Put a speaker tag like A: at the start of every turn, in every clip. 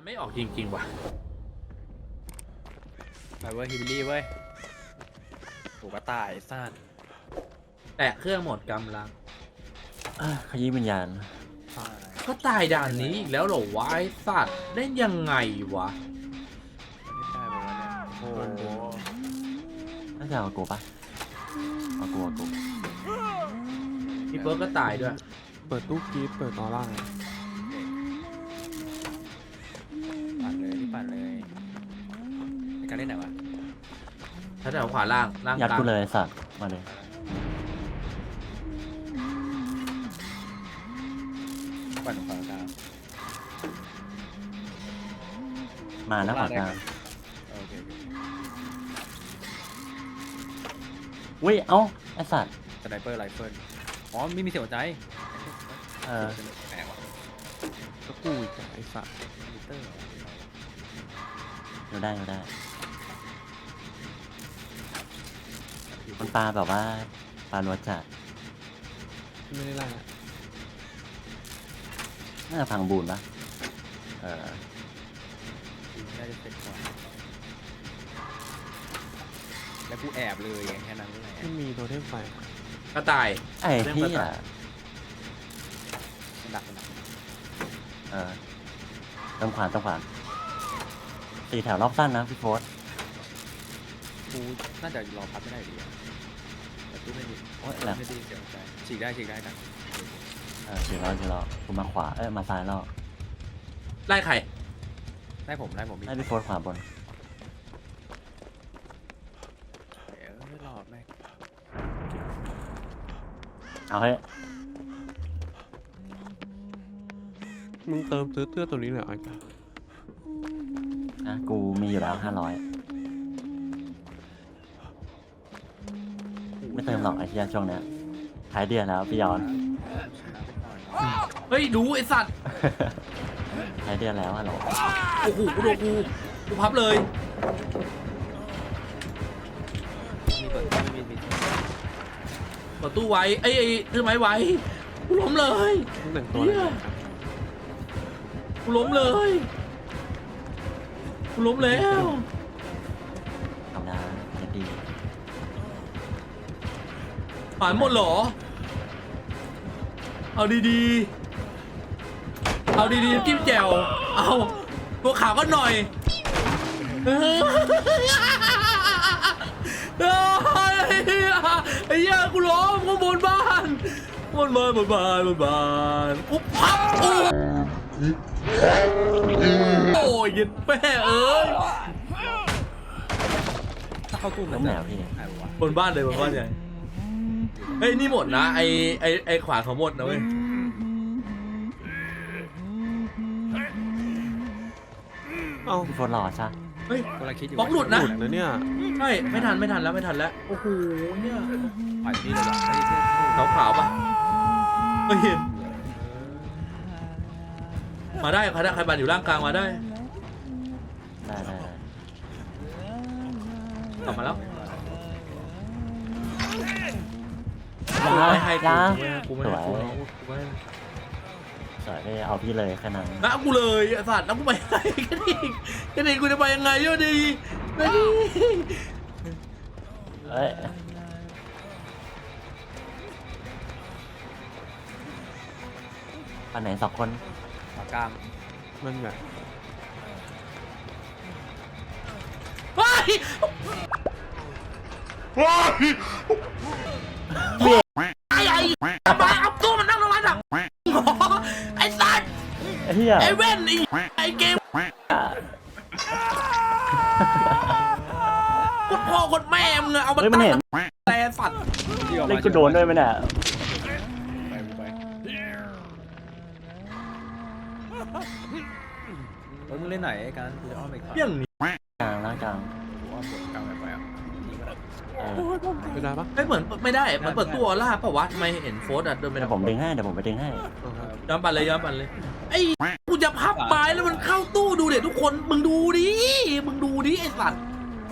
A: ไม่ออกจริงๆว่ะ
B: ไปเว้ยฮิบิลี่เว้ยถูกกระต่ายซ่าน
A: แต่เครื่องหมดกำลัง
C: ขยี้วิญญาณ
A: ก็ตายด่านนี้อีกแล้วเหรอวะไอ้สัตว์เล่นยังไงวะ
B: ไม่ได้ไปวะเนี่ยโอ้โห
C: น่าจะเอากูปะเอากู
A: พี่เบิร์กก็ตายด้วย
D: เปิดตู้กีฟเปิดออร่า
B: ปั่นเลยที่ปั่นเลยในการเล่นไหนวะ
A: ถ้าแถวขวาล่างล่าง
C: ยัด
A: กลาง
C: กูเลยสัตว์มาเลย
B: ปั่นของฝั่งกลาง
C: มาแล้วขวากลาง
B: โอเค
C: อุ้ยเอ้าไอสัตว์
B: สไนเปอร์ไรเฟิลอ๋อไม่มีเสียงหัวใจ
C: เออ
B: แหมวะ
D: ก็กูอีกอะไอ้สัตว์
B: มิเตอร์เหรอ
C: อยู่ได้มันปลาแบบว่าปลาลัวจัด
D: ไม่ได้ไล่อะ
C: น่าจะพังบูนปะเออ
B: น่าจะเสร็จก่อนแล้วกูแอบเลยอย่างแค่นั้นแหละ
D: ไม่มีโทเทมไฟ
A: ก็ตาย
C: ไอ้ที่อ่ะ
B: มันดัก
C: เออต้องขวาน4 แถวรอบสั้นนะพี่โฟส
B: กูน่าจะรอพับไม่ได้ดีอะแต่กูไม่ดี
C: โอ้ยแหลม
B: ไม่ดีเสียงหัวใจฉีกได้กัน
C: เฉียรอกูมาขวามาซ้ายแล้ว
A: ไล่ใคร
B: ได้ผม
C: ให้พี่โฟสขวาบน
B: ไม่รอดแม่ง
C: เอาให้
D: มึงเติมซื้อเสื้อตัวนี้เลยเหรอไอ้กา
C: นะกูมีอยู่แล้ว500ไม่เติมหรอกไอ้เหี้ยช่วงเนี้ยท้ายเดือนแล้วพี่ยอน
A: เฮ้ยดูไอ้สัตว์
C: ท้ายเดือนแล้วฮัลโหล
A: โอ้โหกูโดนกูพับเลย
B: มีเปิดไม่มี
A: เปิดตู้ไว้ไอ้ถือไม้ไว้กูล้มเลย
D: มึงแต่งตัวอะไรเนี่ย
A: กูล้มเลยกูล้มแล้ว
C: ทำได้จะดี
A: ผ่านหมดเหรอเอาดีๆเอาดีๆจิ้มแจ่วเอาตัวขาวก็หน่อยไอ้เหี้ยกูล้มกูบนบ้านบนบ้านอุ๊บพับโอ้ยยันแม่เอ้ย
B: ถ้าเข้าตู้
C: ล้มแล้วพี่
B: หายวะ
A: บนบ้านเลยบนบ้านใหญ่เฮ้ยนี่หมดนะไอขวานเขาหมดนะเว้ย
D: เอ้า
C: พี่โฟสรอใช่
A: เฮ้ย
B: กำลังคิดอยู่
A: บล็อกหลุดนะ
D: หลุดนะเนี่ย
A: ใช่ไม่ทันแล้วโอ้โหเนี่ย
B: ปั่นนี่เลยว่ะไม่ได้เท่
A: ขาวปะไม่เห็นมาได้ใครบันอยู่ร่างกลางมาได้
C: ได้
A: กลับมาแล้ว
C: ยา
A: ไม่ให้
C: ยา
A: กูไม่
C: ส
A: ให้
C: วย
A: กูไม่ให้
C: สวยเลยเอาพี่เลยแค่นั้น
A: นะกูเลยไอ้สัตว์แล้วกูไปยังไงกันอีกกูจะไปยังไงเยอะดีไม่ดี
C: เอ้ยอันไหน2 คน
B: ขวากลาง
D: มันแบบ
A: เฮ้ย ไอ้มาเอาตัวมันนั่งตรงนั้นอ่ะไอ้สัตว์
C: เฮีย
A: ไอ้เว้นไอ้เกมกดพ่อกดแม่มึงเอามา
C: เฮ้ยมันเห็น
A: แต่สัตว์
C: เล่นกูโดนด้วยไหมเนี่ย
B: ไปเฮ้ยมึงเล่นไหนไอ้การกูจะอ้อมไปขา
A: เรื่องนี้
C: กลางแล้วกลาง
B: กูอ้อมบนกลางไปอ่ะนี่ก็ได้
C: เออ
D: ไม่ได้ปะ
A: ไม่เหมือนไม่ได้มันเปิดตัวล่าปะวะทำไมเห็นโฟสอ่ะเดินไป
C: เดี๋ยวผมดึงให้เดี๋ยวผมไปดึงให้
D: เอาครับ
A: ย้อนปั่นเลยไอ้กูจะพับไม้แล้วมันเข้าตู้ดูเด็ดทุกคนมึงดูดิไอ้สัตว์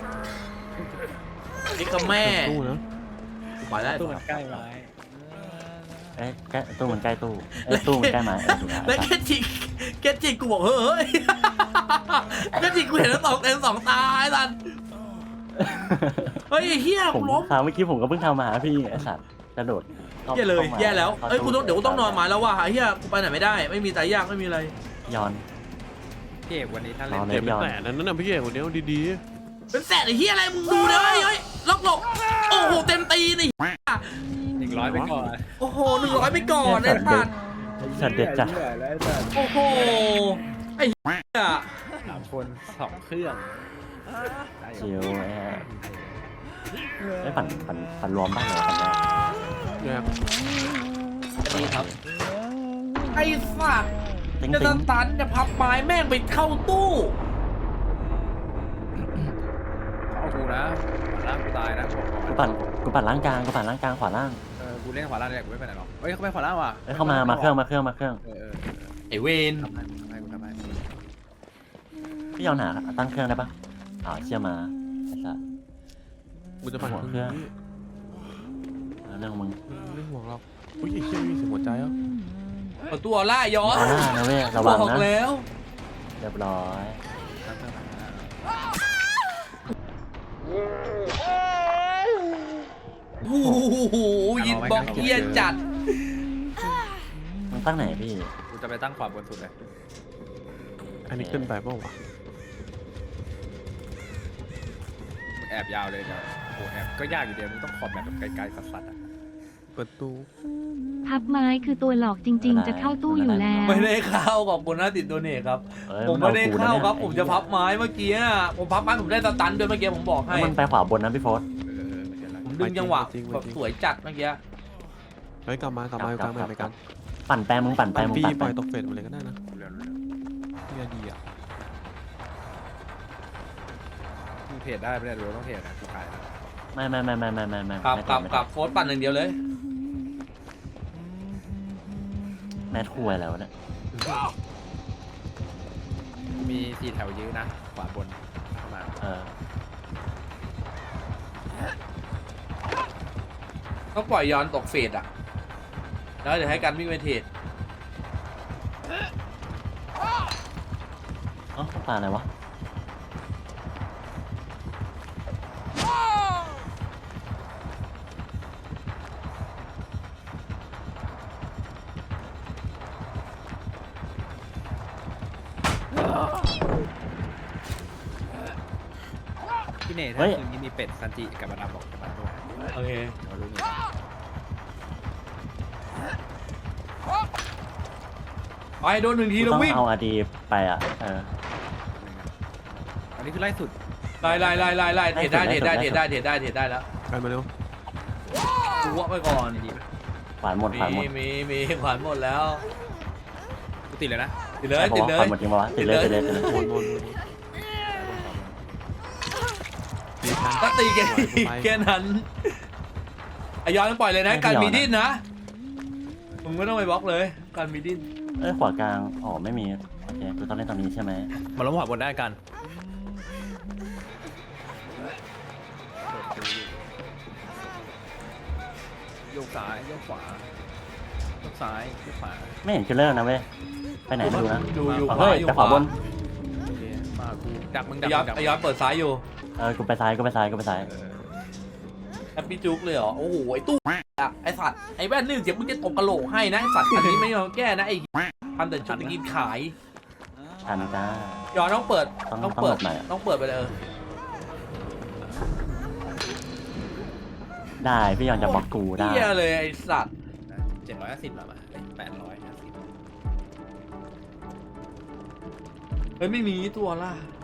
A: นี่ก็แม่
D: ตู้นะ
A: ไปได้
B: ตู้มันใกล้ไว้
C: เอ้ยใกล้ตู้มันใกล้ตู้ตู้มันใกล้ไม้ถูกแล้ว
A: แล้วแกจิกกูบอกเฮ้ยก็จริงกูเห็นแล้วเต็มสองตาไอ้สันเฮ้ยไอ้เฮีย
C: ผ
A: กู
C: ม
A: ล้ม
C: คราวเมื่อกี้ผมก็เพิ่งทำมาพี่ไอ้สัตว์กระโดดข้า
A: แย่เลย
C: ข้ามา
A: แย่แล้ว
C: ข้า
A: เอ้ยกูต้องเดี๋ยวกูต้องนอนมาแล้วว่ะไอ้เฮียกูไปไหนไม่ได้ไม่มีตายยากไม่มีอะไร
C: ย้อน
B: พี่เอกวันนี้ถ้าเล่น
C: นอน
D: เดี๋ยวเป็นแสนนั้นน่ะพี่เอกคนเดียวดี
A: เป็นแสนไอ้เฮียอะไรมึงดูเลยเฮ้ยล็อกหลบโอ้โหเต็มตีนี่
B: 100ไปก่อน
A: โอ้โห100ไปก่อนไอ้สัตว์
C: สัตว์เด็ดจัด
A: โอ้โหไอ้เฮีย
B: 3 คน2 เครื่องได้อยู่
C: ชิวไอ้ปั่นรวมบ้างเหรอปั่นแรก
D: ๆเนี่ย
A: ดีครับไอ้สัตว์
C: ติ๊ง
A: จะ
C: ติ๊ง
A: ตันจะพับไม้แม่งไปเข้าตู้
B: เอากูนะขวาล่างกูตายนะบอกก่อน
C: กูปั่นล่างกลางขวาล่าง
B: กูเล่นขวาล่างเนี่ยกูไม่ไปไหนหรอกเฮ้ยเขาไปขวาล่างว่ะ
C: เอ้ยเข้ามาเครื่อง
A: ไอ้เวน
B: ทำให้กูทำให้
C: พี่ยอนหาตั้งเครื่องได้ปะเชื่อมาไอ้สัส
D: กูจะปั่น
C: หัว
D: เค
C: เครื่
D: รื่
C: อ
D: อง ง
C: เรื่องของมึง
D: ไม่ห่วงหรอกอุ้ยไอ้เชี่ยมีเสียงหัวใจอ่ะ
A: เอาตัวล่าย้อน
C: นะเว้ยระ
A: บ
C: วัง
A: อก
C: นะ
A: แล้ว
C: เรียบร้อย
B: ตั้งเครื่องขวาล่าง
A: โอ้โหยินบล็อกเฮียจัด
C: มึงตั้งไหนพี่
B: กูจะไปตั้งขวาบนสุดเลย
D: อันนี้เกินไปเปล่าวะ
B: แอบยาวเลยเดี๋ยวโอ้แอบก็ยากอยู่เดียวมึงต้องขอบแบบไกลๆสัสๆอ่ะ
D: เปิดตู้
E: พับไม้คือตัวหลอกจริง ๆ จะเข้าตู้อยู่แล้ว
A: ไม่ได้เข้าขอบคุณนะติดโดเนทครับ
C: เอ้ย
A: ผมไม่ได้เข้าครับ
C: น
A: ผมจะพับไม้เมื่อกี้อะผมพับไม้ผมได้สตันด้วยเมื่อกี้ผมบอก
C: แล้
A: ให้
C: วมันไปขวาบนนะพี่โฟส
B: เหมือนกันละ
A: ผมดึงจังหวะแบบสวยจัดเมื่อกี้
D: เฮ้ยกลับมากลับมาไปกัน
C: ปั่นแปรมึงปั่น
D: ปล่อย
C: ไป
D: ตกเฟสมาเลยก็ได้นะ
B: เร็ว
D: เนี่ยดีอ่ะ
B: มึงเทรดได้ไม่ได้หรือว่าต้องเทรดนะกูขายนะ
C: ไม่
A: กลับโฟร์ปั่นอย่างเดียวเลย
C: แม่ถ้วยแล้วเนี่ย
B: มี4 แถวยื้อนะขวาบนเข้ามา
A: ก็ปล่อยย้อนตกเฟสอ่ะแล้วเดี๋ยวให้กันวิ่งไปเทรด
C: อ๋อปลาอะไรวะ
B: พี่เน่ถ้าคืนนี้มีเป็ดซันจิกับมาดามบอกจะมาด้วย
A: โอเค
B: เดี๋ยวรู้นี่
A: ไปโดน1 ที
C: กู
A: แล้ว
C: ต้อง
A: วิ่ง
C: เอาอาดีไป
B: อันนี้คือไล่สุด
A: ไล่เทรดได้แล้ว
D: กันมาเร็ว
A: กูวะไปก่อน
C: ขวานหมด
A: มีขวานหมดแล้ว
B: กูติดเลยนะ
A: ติดเลย
C: ขวานหมดจริงปะวะติดเลย
D: วนดีกัน
A: ก็ตีแค่นั้นไอ้ย้อนปล่อยเลยนะการมีดิ้นนะมึงไม่ต้องไปบล็อกเลยการมีดิ้น
C: เอ้ยขวากลางอ๋อไม่มีโอเคกูต้องเล่นตรงนี้ใช่ไหม
B: มาล้มขวาบนได้กันโยกซ้ายโยกขวาโยกซ้ายโยกขวา
C: ไม่เห็นคิลเลอร์นะเว้ยไปไหนไม่รู้นะ
A: อยู่
C: เฮ้ยแต่ขวาบน
B: โอเคมากูดักมึง
A: ไอ้
B: ดัก
A: ย้อนเปิดซ้ายอยู่
C: กูไปซ้าย
A: แฮปปี้จุกเลยเหรอโอ้โหไอ้ตู้อะไอ้สัตว์ไอ้แว่นนี่เดี๋ยวมึงจะตบกระโหลกให้นะไอ้สัตว์อันนี้ไม่ยอมแก้นะไอ้ทำแต่ชุดกินขาย
C: ทันจ้า
A: ย้อนต้องเปิด
C: ต้องเปิดหน่อยอะ
A: ต้องเปิดไปเลย
C: ได้พี่ยอนจะบล็อกกูได้
A: เฮียเลยไอ้สัตว์
B: 750หรอมา850
A: เฮ้ยไม่มีตัวล่ะ